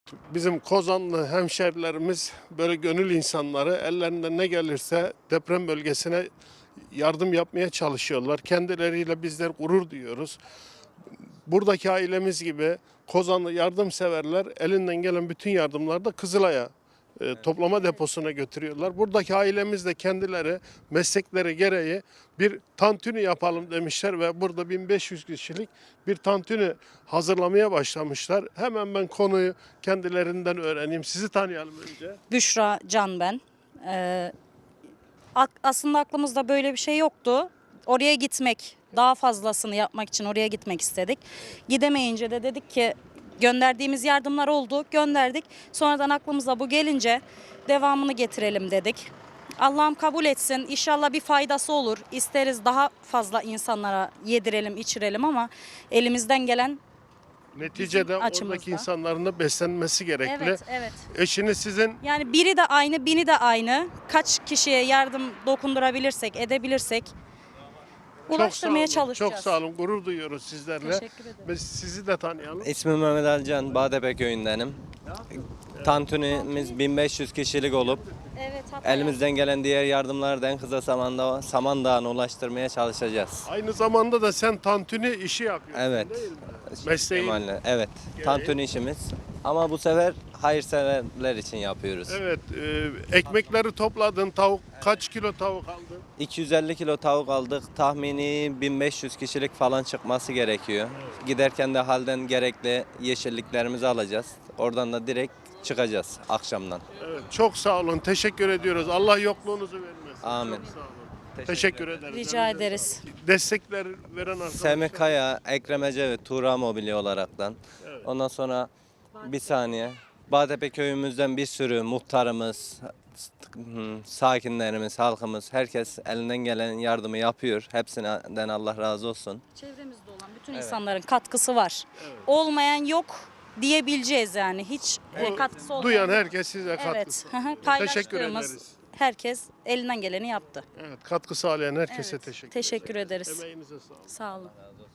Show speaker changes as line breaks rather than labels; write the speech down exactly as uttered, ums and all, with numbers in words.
Bizim Kozanlı hemşerilerimiz böyle gönül insanları, ellerinden ne gelirse deprem bölgesine yardım yapmaya çalışıyorlar. Kendileriyle bizler gurur duyuyoruz. Buradaki ailemiz gibi Kozanlı yardımseverler elinden gelen bütün yardımları da Kızılay'a e, toplama deposuna götürüyorlar. Buradaki ailemiz de kendileri meslekleri gereği bir tantuni yapalım demişler ve burada bin beş yüz kişilik bir tantuni hazırlamaya başlamışlar. Hemen ben konuyu kendilerinden öğreneyim. Sizi tanıyalım önce.
Büşra Can ben. Ee, ak- aslında aklımızda böyle bir şey yoktu. Oraya gitmek, daha fazlasını yapmak için oraya gitmek istedik. Gidemeyince de dedik ki gönderdiğimiz yardımlar oldu, gönderdik. Sonradan aklımıza bu gelince devamını getirelim dedik. Allah'ım kabul etsin. İnşallah bir faydası olur. İsteriz daha fazla insanlara yedirelim, içirelim ama elimizden gelen
Neticede
açımızda.
oradaki insanların da beslenmesi gerekli.
evet, evet.
Eşiniz sizin
Yani biri de aynı, bini de aynı. Kaç kişiye yardım dokundurabilirsek, edebilirsek
çok
ulaştırmaya
sağ olun,
çalışacağız.
çok sağ olun. Gurur duyuyoruz sizlerle.
Teşekkür ederim.
Biz sizi de tanıyalım.
İsmim Mehmet Alcan, Badebe köyündenim. Tantunimiz bin beş yüz kişilik olup
Evet, hatta
elimizden gelen diğer yardımları da en kısa zamanda Samandağ'ına ulaştırmaya çalışacağız.
Aynı zamanda da sen tantuni işi yapıyorsun
Evet.
değil mi? Mesleğin.
Kemal'le, Evet. Tantuni işimiz. Ama bu sefer hayırseverler için yapıyoruz.
Evet, e, ekmekleri topladın. Tavuk kaç kilo tavuk aldın?
iki yüz elli kilo tavuk aldık. Tahmini bin beş yüz kişilik falan çıkması gerekiyor. Giderken de halden gerekli yeşilliklerimizi alacağız. Oradan da direkt çıkacağız akşamdan.
Evet, çok sağ olun. Teşekkür ediyoruz. Allah yokluğunuzu vermesin.
Amin.
Çok sağ olun. Teşekkür ederiz.
rica ederiz.
Destekler veren arkadaşlar.
Semih Kaya, Ekrem Ecevit, Tuğra Mobilya olaraktan. Ondan sonra bir saniye. Bağtepe köyümüzden bir sürü muhtarımız, hmm, sakinlerimiz, halkımız, herkes elinden gelen yardımı yapıyor. Hepsinden Allah razı olsun.
Çevremizde olan bütün insanların katkısı var. Olmayan yok diyebileceğiz yani. Hiç e, katkısı olmayan.
Duyan
yok.
herkes size
Evet.
katkısı.
hı hı,
Teşekkür
Paylaştığımız
ederiz.
herkes elinden geleni yaptı.
Evet, katkı sağlayan herkese
Evet,
teşekkür,
teşekkür ederiz.
Emeğinize sağlık.
Sağ olun.